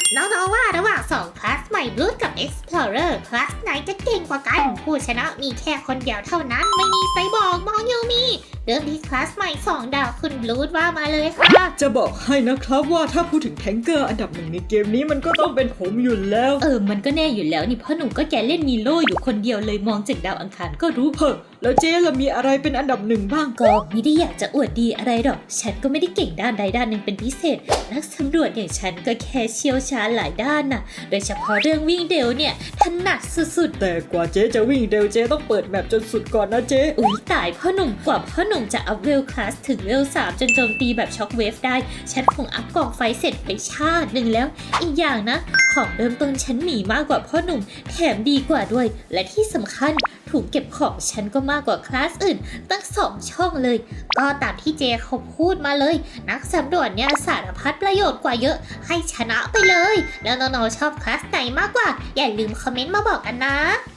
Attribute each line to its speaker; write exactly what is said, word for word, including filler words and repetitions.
Speaker 1: น้องๆว่าระหว่างสองคลาสใหม่ Blood กับ Explorer คลาสไหนจะเก่งกว่ากันผู้ชนะมีแค่คนเดียวเท่านั้นไม่มีไซบอร์กมองยูมีเริ่มที่คลาสใหม่สองดาวคุณ Blood ว่ามาเลยค่ะ
Speaker 2: จะบอกให้นะครับว่าถ้าพูดถึงแทงเกอร์อันดับหนึ่งในเกมนี้มันก็ต้องเป็นผมอยู่แล้ว
Speaker 3: เออมันก็แน่อยู่แล้วนี่พ่อหนุ่มก็แกเล่นมีโล่อยู่คนเดียวเลยมองจากดาวอังคารก็รู้
Speaker 2: เฮ้อแล้วเจ๊ล่ะมีอะไรเป็นอันดับหนึ่งบ้าง
Speaker 3: ก็ไม่ได้อยากจะอวดดีอะไรหรอกฉันก็ไม่ได้เก่งด้านใดด้านหนึ่งเป็นพิเศษนักสำรวจอย่างฉันก็แค่เชี่ยวชาญหลายด้านน่ะโดยเฉพาะเรื่องวิ่งเร็วเนี่ยถนัดสุด
Speaker 2: ๆแต่กว่าเจ๊จะวิ่งเร็วเจ๊ต้องเปิดแมปจนสุดก่อนนะเจ๊
Speaker 3: อุ๊ยตายพ่อหนุ่มกว่าพ่อหนุ่มจะอัพเวลคลาสถึงเวลสามจนโจมตีแบบช็อคเวฟได้ฉันคงอัพกองไฟเสร็จไปชาติหนึ่งแล้วอีกอย่างนะของเริ่มต้นฉันมีมากกว่าพ่อหนุ่มแถมดีกว่าด้วยและที่สำคัญถุงเก็บของฉันก็มากกว่าคลาสอื่นตั้งสองช่องเลยก็ตามที่เจเขาพูดมาเลยนักสำรวจเนี่ยสารพัดประโยชน์กว่าเยอะให้ชนะไปเลยแล้วน้องๆชอบคลาสไหนมากกว่าอย่าลืมคอมเมนต์มาบอกกันนะ